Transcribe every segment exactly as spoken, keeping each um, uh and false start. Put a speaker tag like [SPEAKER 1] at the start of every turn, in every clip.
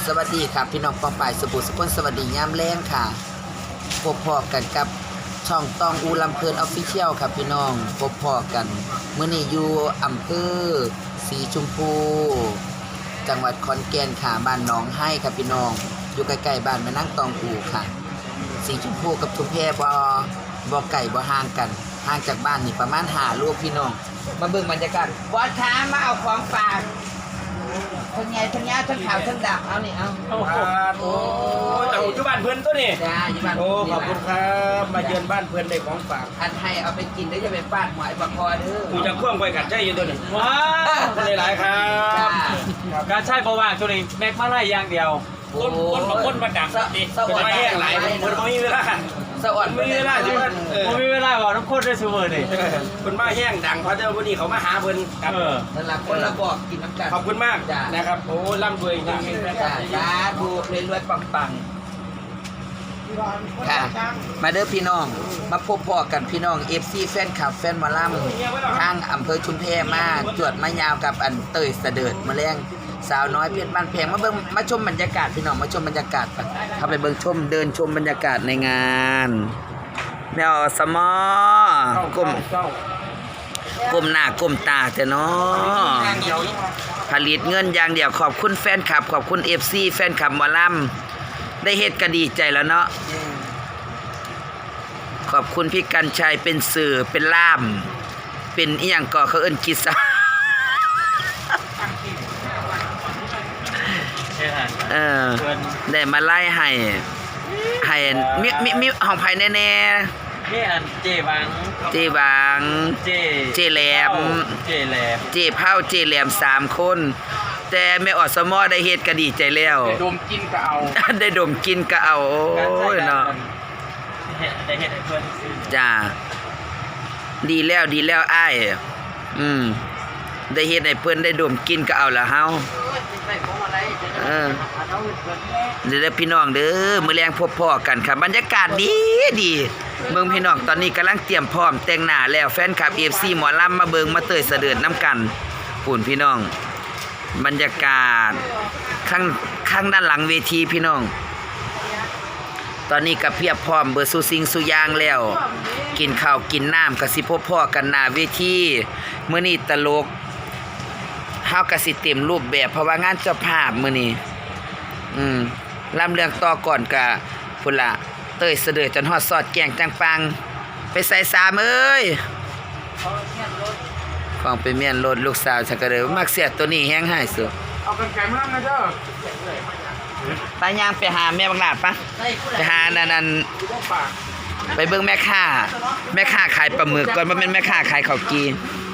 [SPEAKER 1] สวัสดีครับพี่น้องปองป่ายสบู่สกุลสวัสดียามแรงค่ะพบพอกันกับช่องตองอูลำเพลินออฟฟิเชียลครับพี่น้องพบพอกันเมื่อนี้อยู่อำเภอสีชมพูจังหวัดขอนแก่นค่ะบ้านหนองให้ครับพี่น้องอยู่ใกล้ๆบ้านแม่นางตองอูค่ะสีชมพูกับชุมแพบ่บ่ไก่บ่ห่างกันห่างจากบ้านนี่ประมาณห้าลูกพี่น้องมาเบิ่งบรรยากาศบอสค้ามาเอาของฝากทั้งไงทั้งยาทั้งขาวทั้งดำเอานี่เอาโอ้โห
[SPEAKER 2] โอ้เจ้าอยู่บ้านเพื่อนตัวนี่
[SPEAKER 1] จ้าอยู่บ้าน
[SPEAKER 2] โอ้ขอบคุณครับมาเยือนบ้านเพื่อนได้ของฝาก
[SPEAKER 1] อันให้เอาไปกินได้จะไปฟาดหมอยปลาคอเด้อ
[SPEAKER 2] กูจะพ่วงไปกัดใจอยู่ตัวนี้
[SPEAKER 3] ว้า
[SPEAKER 2] ขอบคุณหลายๆครั
[SPEAKER 1] จ้า
[SPEAKER 2] บ
[SPEAKER 3] การใช้ประว่างตัวนี้แม็กมาไล่อย่างเดียว
[SPEAKER 2] คนคนมาคนมาดักดิเป็นมาแห้งหลายคนคนไม่มีเวลา
[SPEAKER 1] สวัส
[SPEAKER 2] ไม่มีเวลาที่ว่าเออ
[SPEAKER 3] ผมมีเวลาบอกน้ำข้นได้ซูเปอร์นี่
[SPEAKER 2] คนมาแห้งดังเพราะเจ้าวันนี้เขามาหาเพื่อนครับ
[SPEAKER 3] เออ
[SPEAKER 1] นั่นแหละคนละบอกกินน้ำกัน
[SPEAKER 2] ขอบคุณมากนะครับโอ้ร่ำรวยจริงๆนะครั
[SPEAKER 1] จ้า
[SPEAKER 2] บ
[SPEAKER 1] จ้าดูรวยๆปังๆค่ะมาเด้อพี่น้องมาพบพ่อกันพี่น้อง เอฟ ซี แฟนคลับแฟนหมอลำทางอำเภอชุมแพมาจวดมายาวกับอันเตยเสดิร์ดมาแรงสาวน้อยเพชรบ้านแพงมาเบิ่งมาชมบรรยากาศพี่น้องมาชมบรรยากาศกันเข้าไปเบิ่งชมเดินชมบรรยากาศในงานแมวสมอกลมกลมหน้ากลมตาแต่เนาะผลิตเงินอย่างเดียวขอบคุณแฟนคลับขอบคุณ เอฟ ซี แฟนคลับหมอลำได้เฮ็ดก็ดีใจแล้วเนาะขอบคุณพี่กันชัยเป็นสื่อเป็นล่ามเป็นอีหยังก่อเขาเอิ้นกิษะเออได้มาไล่ให้ให้มีมีมีห้องไผแน่ๆ
[SPEAKER 3] นี่อันเจบัง
[SPEAKER 1] เจบาง
[SPEAKER 3] เจ
[SPEAKER 1] เจแหลม
[SPEAKER 3] เจแหลม
[SPEAKER 1] เจเผาเจแหลมสามคน แต่แม่อสมอได้เฮ็ดก็ดีใจแล้ว
[SPEAKER 2] ดมกินก็เอา
[SPEAKER 1] ได้ดมกินก็เอาโอ้ยเนาะ
[SPEAKER 3] ได้เห็นเพื่อนซื้อ
[SPEAKER 1] จ้าดีแล้วดีแล้วอ้ายอืมได้เฮ็ดให้เพิ่นได้ดมกินก็เอาละเฮาเออเด้อพี่น้องเด้อมื้อแลงพบพ้อกันค่ะบรรยากาศดีดีเบิ่งพี่น้องตอนนี้กำลังเตรียมพร้อมแต่งหน้าแล้วแฟนคลับ เอฟ ซี หมอลำมาเบิ่งมาเตยเสด็จน้ำกันปุ่นพี่น้องบรรยากาศข้างข้างด้านหลังเวทีพี่น้องตอนนี้ก็เพียบพร้อมเบอร์สุซิงสุยางแล้วกินข้าวกินน้ำก็สิพบพ่อกันหน้าเวทีมื้อนี้ตลกเฮาก็สิเต็มรูปแบบเพราะว่างานเจ้าภาพมื้อนี้อืมลำเรื่องต่อก่อนก็พุ่นล่ะเต้ยเสด็จจนฮอดสอดแกงจังปังไปใส่สามเอ้ยของไปเมียนรถลูกสาวฉันก็เลยมักเสียตัวนี้แฮงหายสุด
[SPEAKER 2] เอากันไก่มานะเจ้า
[SPEAKER 1] ไปย่างไปหาแม่บังหลาดปะไปหานั่นนั่นไปเบิ่งแม่ค้าแม่ค้าขายปลาหมึกก่อนว่าเป็นแม่ค้าขายข้าวกี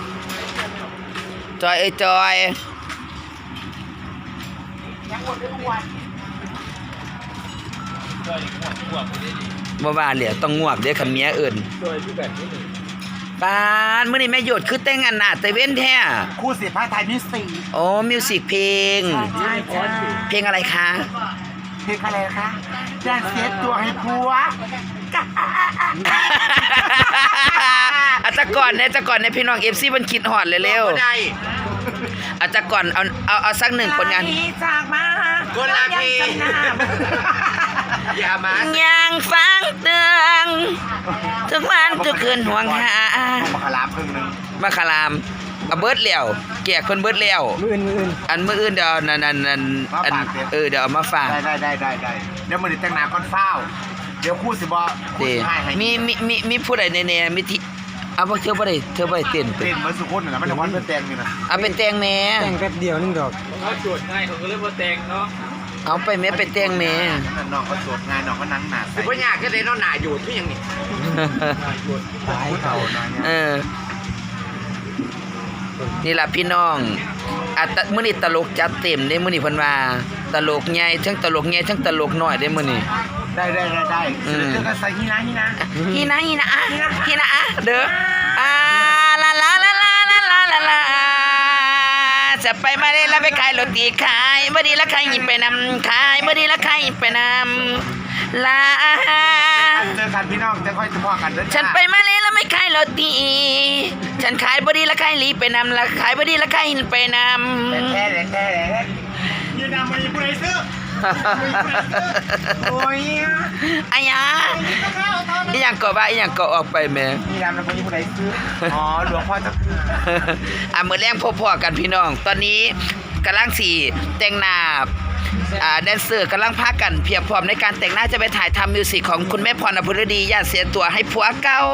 [SPEAKER 1] จอยเอ้ยจอยบ่ว่าเหลียต้องงวกเด้อคันเมียเอิ้น
[SPEAKER 2] โดยพี่แบบนี้
[SPEAKER 1] ปานมื้อนี้แม่หยดคือแต่งอันหน้าแต่เว้นแท้
[SPEAKER 4] คู่สิผ้าไทยมิสซี
[SPEAKER 1] โอ้มิวสิกเพลง
[SPEAKER 4] ใช่จ้า
[SPEAKER 1] เพลงอะไรคะ
[SPEAKER 4] เพลงอะไรคะแดนเซตตัวให้ผัว
[SPEAKER 1] อาจจะก่อนเนี่ยจะก่อนเนี่ยพี่น้อง เอฟ ซี มันคิดฮอดเร็วๆอาจจะก่อนเอาเอาเอาสักหนึ่งผลงาน
[SPEAKER 4] จากมา
[SPEAKER 1] คนละเพลง
[SPEAKER 2] อย่ามา
[SPEAKER 1] ยังฟังเตือนทุกวันทุกคืนห่วงหา
[SPEAKER 4] มาขลามครึ่งนึง
[SPEAKER 1] มาคารามเอาเบิดแล้วแกกเพิ่นเบิดแล้ว
[SPEAKER 4] มืออื่นมืออื่น
[SPEAKER 1] อันมื้ออื่นเดี๋ยวนั่นนั่นนั่นอันเออเดี๋ยวเอามาฝาก
[SPEAKER 4] ได้ได้ได้ได้ได้เดี๋ยวมือนี้แต่งหน้าก่อนเฝ้าเดี๋ยวคู่สิบอคู่
[SPEAKER 1] เด้
[SPEAKER 4] สิให้ให้
[SPEAKER 1] มีมีมีมีผู้ใดแน่ๆมีที่เอาบ่เธอบ่ได้เธอบ่ได้เต้นเป็
[SPEAKER 4] เต้
[SPEAKER 1] น
[SPEAKER 4] นเหมือนสุขุนนะมันจะวันเพื่อแต่งนี่นะ
[SPEAKER 1] เอาเป็นแต่งแม่
[SPEAKER 4] แต่งแป๊บเดียวนึงดอก
[SPEAKER 3] เขาจวดง่ายเขาก็เลยมาแต่งเนาะ
[SPEAKER 1] เอาไปแม่เป็นแต่งแม่
[SPEAKER 4] น้องก็สวดงานน้องก็นั่งหนา
[SPEAKER 2] คือพ่อยากก็เลยน้องหนาอยู่ที่ยังนี่
[SPEAKER 4] ตายเก่านะ
[SPEAKER 1] เออ นี่ล่ะพี่น้องอ่ะตะมื้อนี้ตลกจัดเต็มเด้มื้อนี้เพิ่นว่าตลกใหญ่ทั้งตลกใหญ่ทั้งตลกน้อยเด้มื้อนี้
[SPEAKER 4] ได้ได้ได้ได้เจอกันใส่ฮีนะฮีนะ
[SPEAKER 1] ฮีนะฮีนะอ่ะฮีนะอ่ะเด้ออ่าลาลาลาลาลาลาลาลาจะไปมาเลยแล้วไปขายโรตีขายบ่ดีละขายหิไปนำขายบ่ดีละขายหิไปนำลา
[SPEAKER 4] เจอกันพี่น้องจะค่อยจะพอกันเด้อ
[SPEAKER 1] ฉันไปมาเลยแล้วไม่ขายโรตีฉันขายบ่ดีละขายหลีไปนำละขายบ่ดีละขายหินไปนำ
[SPEAKER 4] แท้แท้แท้ยืนนำมาอยู่ผู้ใดซื้อโอ้ย
[SPEAKER 1] อะหยังอีหยังก็ว่าอีหยังก็ออกไปแหม่
[SPEAKER 4] มีน้ำน้ำพวกนี้ผู้ใดซื้ออ๋อหลวงพ่อจะคือ
[SPEAKER 1] อ่ะมื้อแรงพบๆกันพี่น้อง ตอนนี้กำลังสิแต่งหน้าอ่าแดนเซอร์กำลังพากันเพียบพร้อมในการแต่งหน้าจะไปถ่ายทำมิวสิกของคุณแม่พรอภรดีอย่าเสียตัวให้ผัวเก่า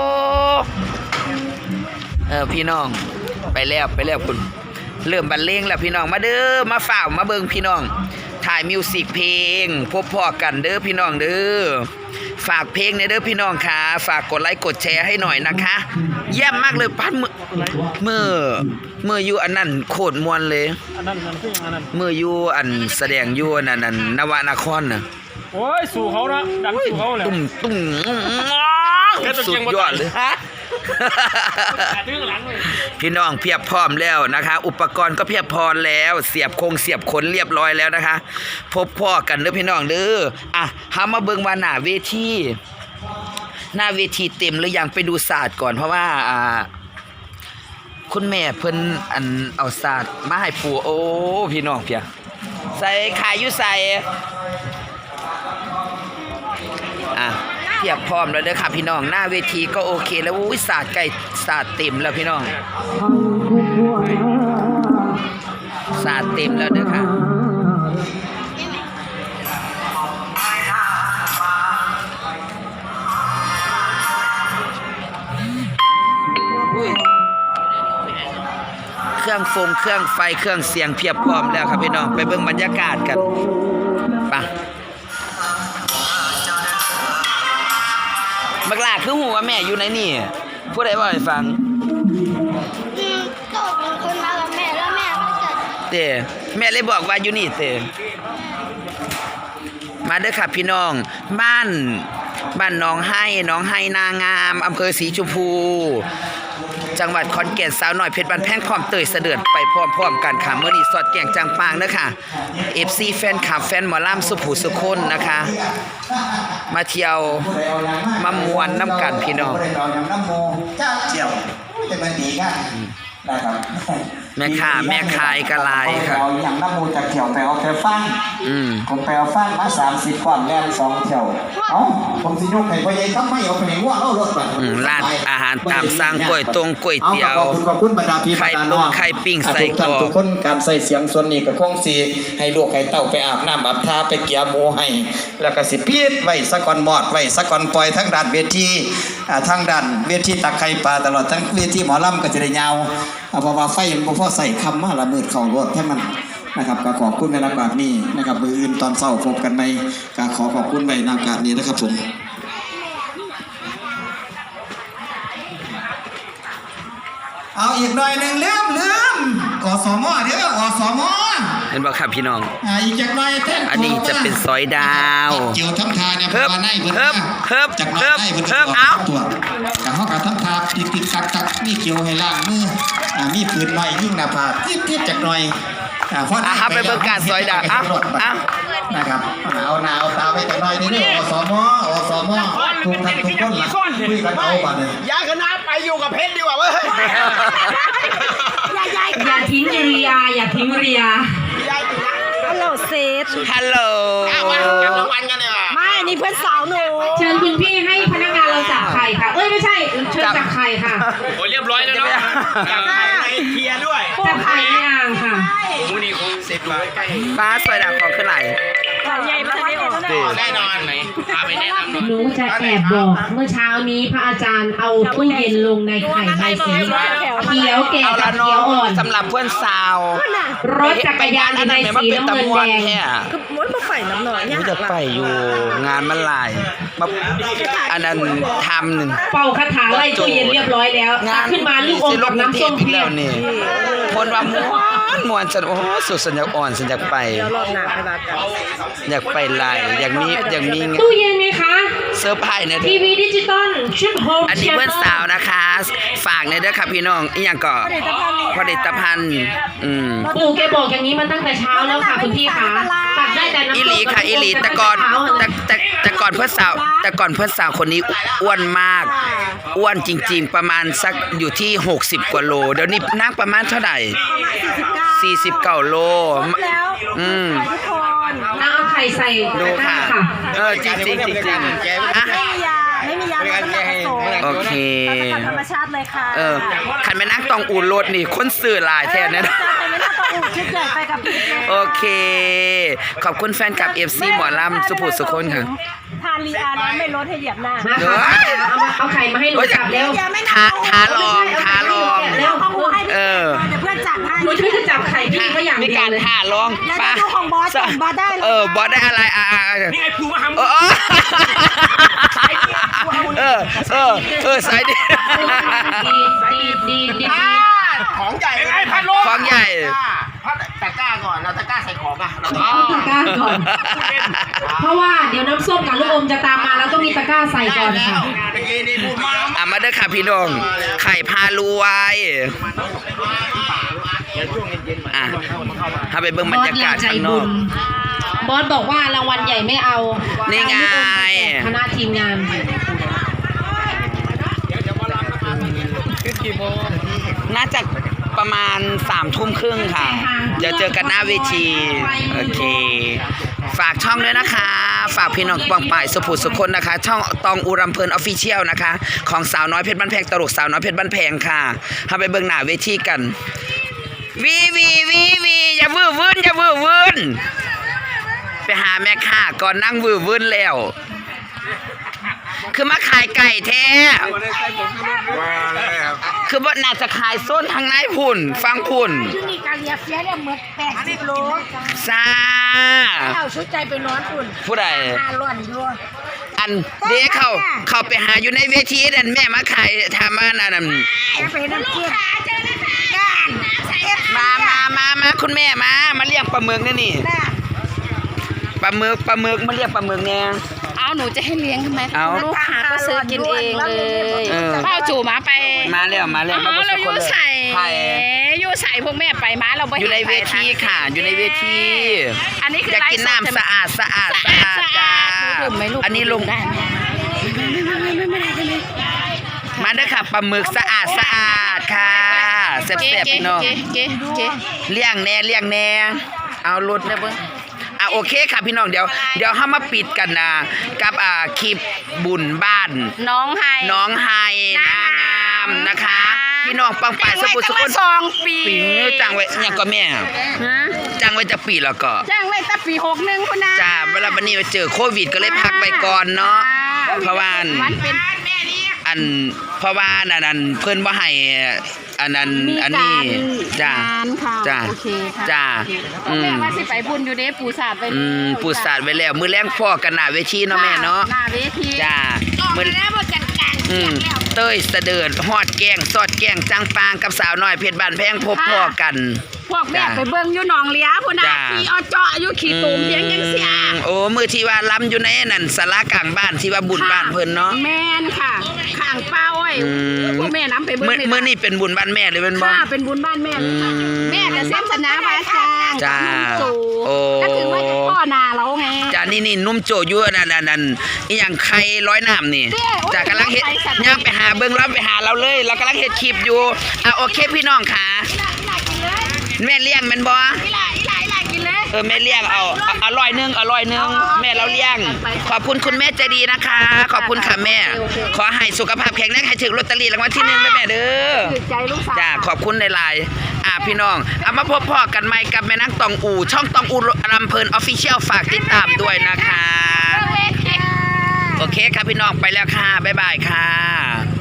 [SPEAKER 1] เออพี่น้องไปแล้วไปแล้วคุณเริ่มบรรเลงแล้วพี่น้องมาเด้อมาฝ่าวมาเบิ่งพี่น้องถ่ายมิวสิกเพลงพบพอกันเด้อพี่น้องเด้อฝากเพลงในเด้อพี่น้องค่ะฝากกดไลค์กดแชร์ให้หน่อยนะคะเยี่ยมมากเลยปั้นมือมือมืออยู่อันนั้นโคตรมวนเลย
[SPEAKER 3] อันนั้นมันคืออย่างนั้น
[SPEAKER 1] มืออยู่อันแสดงอยู่นั่นนั่นนวนครน่ะ
[SPEAKER 3] โอ้ยสู่เขานะดังสู่เขาเลย
[SPEAKER 1] ตุ้มตุ้มสุดยอดเลยฮะ
[SPEAKER 3] ดึงหลังเลย
[SPEAKER 1] พี่น้องเพียบพร้อมแล้วนะคะ อุปกรณ์ก็เพียบพร้อมแล้ว เสียบคงเสียบขนเรียบร้อยแล้วนะคะ พบพ่อกันเด้อพี่น้องเด้ออ่ะเฮามาเบิ่งว่าหน้าเวทีหน้าเวทีเต็มหรือยังไปดูศาสตร์ก่อนเพราะว่าอ่าคุณแม่เพิ่นอันเอาศาสตร์มาให้ปู่โอ้พี่น้องเพียใส่ขายอยู่ใส่อ่ะเพียบพร้อมแล้วเด้อค่ะพี่น้องหน้าเวทีก็โอเคแล้วอุ้ยศาสตร์ไก่ศาสตร์เต็มแล้วพี่น้องศาสตร์เต็มแล้วเด้อค่ะอุ้ยเครื่องฟงเครื่องไฟเครื่องเสียงเพียบพร้อมแล้วครับพี่น้องไปเบิ่งบรรยากาศกันไปบักหลาคือหูว่าแม่อยู่ในนี่ผู้ใดบอกให้ฟัง
[SPEAKER 5] อืมก็เป็นคนมากับแม่แล้วแม่ก็จะ
[SPEAKER 1] เต้แม่เลยบอกว่าอยู่นี่เต้มาเด้อค่ะพี่น้องบ้านบ้านหนองไห้หนองไห้นางามอำเภอศรีชมพู จังหวัดขอนแก่นสาวน้อยเพชรบ้านแพงพร้อมเตยเสด็จไปพร้อมๆกันค่ะเมื่อนี้สอดแก่งจังปางเด้อค่ะ เอฟ ซี แฟนคลับแฟนหมอลำสุภูสุคนนะคะ มาเที่ยวมามวนน้ำกันพี่น้อง
[SPEAKER 6] เราอย่างน้ำโมจ้าเจียวจะมาดีกันนะครับ
[SPEAKER 1] แม่ค้าแม่ขายกะลายค่ะ
[SPEAKER 6] เราอย่างน้ำโมจะเกี่ยวไปเอาแค่ฟัง
[SPEAKER 1] อืม
[SPEAKER 6] ผมไปเอาฟังมาสามสิบกว่าแลนสองเที่ยวเอ้าผมสิยกให้พ่อใหญ่ต้องไม่เอาไปไหนว่าเอารถไป
[SPEAKER 1] อืมร้านอาหารตามสั่งก๋วยตงก๋วยเตี๋ยว
[SPEAKER 6] ขอบคุณขอบคุณบรรดาพี่
[SPEAKER 1] ไข่
[SPEAKER 6] บรรดา
[SPEAKER 1] ต้
[SPEAKER 6] น้
[SPEAKER 1] ม
[SPEAKER 6] อง
[SPEAKER 1] ไข่ปิ้งใส่
[SPEAKER 6] ทุกท่าน
[SPEAKER 1] กรอก
[SPEAKER 6] ทุกคนการใส่เสียงส่วนนี้ก็คงสิให้ลูกให้เต้าไปอาบน้ำอาบท่าไปเกี่ยหมูให้ แล้วก็สิพีดไว้สะก่อนหมอดไว้สะก่อนปล่อยทั้งด้านเวทีอ่าทั้งด้านเวทีตักไข่ปลาตลอดทั้งเวทีหมอลำก็จะได้ยาวอ่าเพราะว่าไฟมันบ่พอใส่คำมาละมืดเข้ารถให้มันนะครับก็ขอบคุณในโอกาสนี้นะครับมืออื่นตอนเช้าพบกันไหมก็ขอขอบคุณในโอกาสนี้นะครับผมเอาอีกหน่อยหนึ่งลืมลืมอสมเดี๋ยวอสม
[SPEAKER 1] เห็นบ่ครับพี่น้อง
[SPEAKER 6] อ่าอีกจักหน่อยแท่น
[SPEAKER 1] อันนี้จะเป็นซอยดาว
[SPEAKER 6] เกี่ยวทำทาเนี่ย
[SPEAKER 1] เพิ่ม
[SPEAKER 6] ว่าในเพิ่น
[SPEAKER 1] เพิ่มเพิ่ม
[SPEAKER 6] จากหน่อย
[SPEAKER 1] เพิ่ม
[SPEAKER 6] ในเพิ่น
[SPEAKER 1] เพิ่ม
[SPEAKER 6] ก็
[SPEAKER 1] เอา
[SPEAKER 6] ตัวแต่เฮาก็ทำทาติ๊กติ๊กตักตักมีเกี่ยวให้ล้างมืออ่ามีปืนหน่อยยิงหน้าผากติ๊บติ๊บจักหน่อยอ่าพอ
[SPEAKER 1] อ่ะครับไปเบิ่งการซอยดาวอ่ะอ่ะ
[SPEAKER 6] นะครับเอาหนาวตาไปจักหน่อยนี่เด้ออสมอสมทุกท่านทุกคนล่ะคุยกันเอาบัดนี้
[SPEAKER 4] ย้ายคณะไปอยู่กับเพชรดีกว่าเว้ย
[SPEAKER 5] ยายยาย
[SPEAKER 7] อย่าทิ้งเรียอย่าทิ้งเรีย
[SPEAKER 5] ฮัลโหลเซต
[SPEAKER 1] ฮัลโหล
[SPEAKER 4] มาจับรางวัลกันเลยว่ะ
[SPEAKER 5] ไม่อันนี้เพื่อนสาวหนู
[SPEAKER 7] เชิญคุณพี่ให้พนักงานเราจับไข่ค่ะ เอ้ยไม่ใช่เชิญจับไข่ค่ะ
[SPEAKER 3] โอ้ยเรียบร้อยแล้วเนาะเคลียร์ด้วย
[SPEAKER 7] จับไข่ในอ่างค่ะ
[SPEAKER 3] มูนี่คงเสร็จมาใกล้
[SPEAKER 1] ป้าซอยดาวของขึ้นไหล
[SPEAKER 5] ใหญ่มากเลย
[SPEAKER 3] แน่นอนไหนพาไปแนะนำหน่อย
[SPEAKER 7] หนูจะแอบบอกเมื่อเช้านี้พระอาจารย์เอาตู้เย็นลงในไข่ใบสีเขียวแก่
[SPEAKER 1] เอา
[SPEAKER 7] กั
[SPEAKER 1] ละ
[SPEAKER 7] บ
[SPEAKER 1] น้
[SPEAKER 7] เขียว
[SPEAKER 1] อ
[SPEAKER 7] อ่อง น
[SPEAKER 1] สำหรับเพื่อนสาว
[SPEAKER 7] รถจักรยานอยู่ในสีน้ำเงินแดง
[SPEAKER 5] ก็ม้วนมาไฟน้ำหน่อยเนี่ย
[SPEAKER 1] รู้จะไปอยู่งานมันหลายมาอันนั้นทำหนึ่ง
[SPEAKER 7] เป่าคาถาไล่ตู้เย็นเรียบร้อยแล้วตักขึ้นมาลูกอมกับน้ำส้ม
[SPEAKER 1] อีก
[SPEAKER 7] เพีย
[SPEAKER 1] แล้
[SPEAKER 7] บ
[SPEAKER 1] วนี่คนว่ามวนมวนฉันโอ้โหสุดสัญญาอ่อนสัญญาไป
[SPEAKER 5] รอบหนาไปบ้านกัน
[SPEAKER 1] อยากไปหลายอยากมีอยากมี
[SPEAKER 7] ตู้เย็นไหมคะ
[SPEAKER 1] เซอร์ไพรส์เนี่ย
[SPEAKER 7] ทีวีดิจิตอลชุดโฮม
[SPEAKER 1] อันนี้เพื่อนสาวนะคะ ฝากในอยเด้อค่ะพี่น้องอีหยังก็ผลิตภัณฑ์อืม
[SPEAKER 7] ปู่แกบอกอย่างนี้มาตั้งแต่เช้าแล้วค่ะคุณพี่คะตักได้แต่น้ำ
[SPEAKER 1] อี
[SPEAKER 7] ส้ม
[SPEAKER 1] หลีค่ะอีหลีแต่ก่อนแต่แต่แต่ก่อนเพื่อนสาวแต่ก่อนเพื่อนสาวคนนี้อ้วนมาก อ้วนจริง ๆ ประมาณสักอยู่ที่หกสิบกว่าโลเดี๋ยวนี้นั่งประมาณเท่าไหร่สี่สิบเก้าโล
[SPEAKER 5] แล้ว
[SPEAKER 1] อืม
[SPEAKER 5] ทุกคน
[SPEAKER 7] เอาไข่ส่ใส่
[SPEAKER 1] ดู
[SPEAKER 7] ตะกร้า
[SPEAKER 1] ค่ะ
[SPEAKER 7] ค่ะ
[SPEAKER 1] เออจริงจริงจริงจริงอ่ะ
[SPEAKER 8] ไม่มียาไม่มียาลดน้ำหนักผสม
[SPEAKER 1] โอเค
[SPEAKER 8] สกัดธรรมชาติเลยค่ะ
[SPEAKER 1] เออขันไปนั่งตองอูรถนี่คนสื่อหลายแทนนะ
[SPEAKER 8] จะไปไม่น่าต้องอุ่นชุดใหญ่ไปกับพี่เลย
[SPEAKER 1] โอเค ขอบคุณแฟนคลับ เอฟ ซี หมอลำสุภูสุคนค่ะ
[SPEAKER 8] ทานลีอาน้ำไม่ลดให้เหยียบหน้า
[SPEAKER 7] มาค่ะเอามาเอาไข่มาให้หนูจับเร็ว
[SPEAKER 1] ท้าท้าลองท้าลอง
[SPEAKER 7] เร็ว
[SPEAKER 8] ของหนูให้พี่
[SPEAKER 1] เออ
[SPEAKER 8] เดี๋ยวเพื่อนจัดให้
[SPEAKER 7] หนูช่วยจะจับไข่พี่เขาอย่าง
[SPEAKER 1] มี
[SPEAKER 7] เดีย
[SPEAKER 1] กาว ร
[SPEAKER 7] เลย
[SPEAKER 1] ท้าลอง
[SPEAKER 8] แล้ว
[SPEAKER 1] ปะ
[SPEAKER 8] จะดูของบอสของบอสได้เลย
[SPEAKER 1] เออบอสได้อะไรอ่ะอ่ะอ่ะ
[SPEAKER 3] นี่ไอ้ภูมาทำ
[SPEAKER 1] เออเออเออเออสายดี
[SPEAKER 7] ดีดีดีดี
[SPEAKER 4] ของใหญ่
[SPEAKER 3] ไอ้พัดลม
[SPEAKER 1] ของใหญ่
[SPEAKER 4] พัดตะกร้าก่อนเราตะกร้าใส่ของอ่ะเรา
[SPEAKER 7] เอาตะกร้าก่อน เพราะว่าเดี๋ยวน้ำส้มกับลูกอมจะตามมาแล้วต้องมีตะกร้าใส่ก่อนค่ะ
[SPEAKER 4] เมื่อกี้นี่พูดมา
[SPEAKER 1] อ่ะมาเด้อค่ะพี่น้องไข่พารวยอ่ะถ้าไปเบิ่งบรรยากาศข้างนอก
[SPEAKER 7] บอสบอกว่ารางวัลใหญ่ไม่เอา
[SPEAKER 1] นี่ไง
[SPEAKER 7] เอาลูกอมไปแจกคณะทีมงาน
[SPEAKER 1] น่าจะประมาณสามทุ่มครึ่งค่ะ เดี๋ยวเจอกันหน้าเวที โอเค ฝากช่องด้วยนะคะ ฝากพี่น้องปองป่ายสุภูสุคนนะคะ ช่องตองอูรำเพลินออฟฟิเชียลนะคะ ของสาวน้อยเพชรบ้านแพงตลกสาวน้อยเพชรบ้านแพงค่ะทำไปเบิ่งหน้าเวทีกัน วีวีวีวีอย่าวื้อวื้นอย่าวื้อวื้นไปหาแม่ค้าก่อนนั่งวื้อวื้นแล้ว คือมาขายไก่แท้ คือว่าน่าจะขายโซนทางไหนพุ่น ฟังพุ่น
[SPEAKER 8] ที่นี่การเลียเฟียเนี่ยเหมือนแปดสิบโล
[SPEAKER 1] ซา
[SPEAKER 8] เอาชุดใจไปนอนอุ่น
[SPEAKER 1] ผู้ใด
[SPEAKER 8] ห้าร้อนอยู่
[SPEAKER 1] อันเด็กเขาเขาไปหาอยู่ในเวทีนั่นแม่มาขายทำมานั่นนะ
[SPEAKER 8] จะไปน้ำจิ้ม
[SPEAKER 1] มามามามาคุณแม่มา มาเรียกปลาหมึกนี่นี่ปลาหมึกปลาหมึกมาเรียกปลาหมึกเนี่ย
[SPEAKER 9] เอาหนูจะให้เลี้ยงทำไม
[SPEAKER 1] เอา
[SPEAKER 9] ลูกค้าก็ซื้อกินเองเลย
[SPEAKER 1] เออ
[SPEAKER 9] เป้าจู่หมาไป
[SPEAKER 1] มาแล้วมาแล้ว
[SPEAKER 9] อ๋อเราอยู่ใส่
[SPEAKER 1] ไผ่
[SPEAKER 9] อยู่ใส่พวกแม่ไปมาเราไป
[SPEAKER 1] อยู่ในเวทีค่ะ อยู่ในเวที
[SPEAKER 9] อันนี้คือ
[SPEAKER 1] อยากกินน้ำสะอาดสะอาดสะอาดจ้า
[SPEAKER 9] ดื่มไหมลูก
[SPEAKER 1] อันนี้ลง
[SPEAKER 9] ได้ไหม
[SPEAKER 1] มาเด้อค่ะปลาหมึกสะอาดสะอาดค่ะแซ่บๆพี่น้อง
[SPEAKER 9] เก๋เก๋เก๋
[SPEAKER 1] เลี้ยงแน่เลี้ยงแน่เอารถเด้อเบิ่งอ่ะโอเคค่ะพี่น้องเดี๋ยวเดี๋ยวเฮามาปิดกันนะกับอ่าคลิปบุญบ้าน
[SPEAKER 9] น้องไฮ
[SPEAKER 1] น้องไฮนางงามนะคะ พี่น้องปังป่ายสมุทรส
[SPEAKER 9] จ้าง
[SPEAKER 1] กุ
[SPEAKER 9] ไว้
[SPEAKER 1] ล
[SPEAKER 9] ตั้งสองปี
[SPEAKER 1] ปีนี้จ้างไว้เนี่ยก็แม่
[SPEAKER 9] ฮะ
[SPEAKER 1] จ้างไว้จะปีแล้วก็
[SPEAKER 9] จ้างไว้ตั้งปีหกหนึ่งคุณนะ
[SPEAKER 1] จ้าเวลาวันนี้มาเจอโควิดก็เลยพักไปก่อนเนาะเพราะว่า
[SPEAKER 9] วันเป็น
[SPEAKER 1] อันเพราะว่าอันนั้นเพิ่นบ่ให้อันนั้น
[SPEAKER 9] มี
[SPEAKER 1] อัน
[SPEAKER 9] กา
[SPEAKER 1] นี้
[SPEAKER 9] ร
[SPEAKER 1] จ้า
[SPEAKER 9] งานค่ะ
[SPEAKER 1] จ้า
[SPEAKER 9] โอเคค่ะ
[SPEAKER 1] จ้า
[SPEAKER 9] โอเค
[SPEAKER 1] อืม
[SPEAKER 9] แม่ว่าสิไปบุญอยู่เด้ปูสาดไป
[SPEAKER 1] อืมปูสาดไว้แล้ว มือแรงพ่อกันหน้าเวทีเนาะแม่เนาะ
[SPEAKER 9] หน้าเวที
[SPEAKER 1] จ้ามืออืมเต้ยเสดิร์ดฮอดแกงสอดแกงจังปางกับสาวน้อยเพชรบ้านแพงพบพ่อกัน
[SPEAKER 9] พวกแม่
[SPEAKER 1] จ้า
[SPEAKER 9] ไปเบิ่งอยู่หนองเลี้ยพุ่นน่ะ
[SPEAKER 1] จ้า
[SPEAKER 9] ขี่เอาเจาะอยู่ขี่ตูมเพียงยังเสีย
[SPEAKER 1] อืมโอ้มือที่ว่าล้ำอยู่ในนั่นศาลากลางบ้านที่ว่าบุญบ้านเพิ่นเนาะ
[SPEAKER 9] แม่นค่ะข้างเป้าไอ้
[SPEAKER 1] อืม
[SPEAKER 9] พวกแม่น้ำไปเบิ่ง
[SPEAKER 1] มื้อ
[SPEAKER 9] เลย
[SPEAKER 1] มื้อนี้เป็นบุญบ้านแม่เลยเป็นบ่
[SPEAKER 9] ค่ะเป็นบุญบ้านแม่เลยค่ะ
[SPEAKER 1] อืม
[SPEAKER 9] แม่จะเส้นสนาไว้ค่ะ
[SPEAKER 1] จ้า
[SPEAKER 9] สู
[SPEAKER 1] โอ้
[SPEAKER 9] ก็ถือว่าพ่อนาเราไง
[SPEAKER 1] จ้านี่นี่นุ่มโจอยู่นั่นนั่นนั่นอีหยังไข่ร้อยน้ำนี่
[SPEAKER 9] เด้โอ้ย
[SPEAKER 1] จ้ากำลังเฮ็ด
[SPEAKER 9] ไปสัตว์
[SPEAKER 1] ย่างไปหาเบิ่งเราไปหาเราเลย เรากำลังเฮ็ดคลิปอยู่อ่ะโอเคพี่น้องค่ะแม่เลี้ยงแม่นบ่
[SPEAKER 9] อีหลาอีหลาอีหลากินเลย
[SPEAKER 1] เออแม่เลี้ยงเอาเอาอร่อยหนึงอร่อยหนึงแม่เราเลี้ยง ขอบคุณคุณแม่ใจดีนะคะ ขอบคุณค่ะแม่ ขอให้สุขภาพแข็งแรงให้ถึงลอตเตอรี่รางวัลที่หนึ่งด้วยแม่เด้อ
[SPEAKER 9] ถือใจลูกสาว
[SPEAKER 1] จ้าขอบคุณในไลน์อ่ะพี่น้องเอามาพบพ่อกันใหม่กับแม่นักตองอูช่องตองอูลำเพลินออฟฟิเชียลฝากติดตามด้วยนะคะ โอเคครับพี่น้องไปแล้วค่ะ บ๊ายบายค่ะ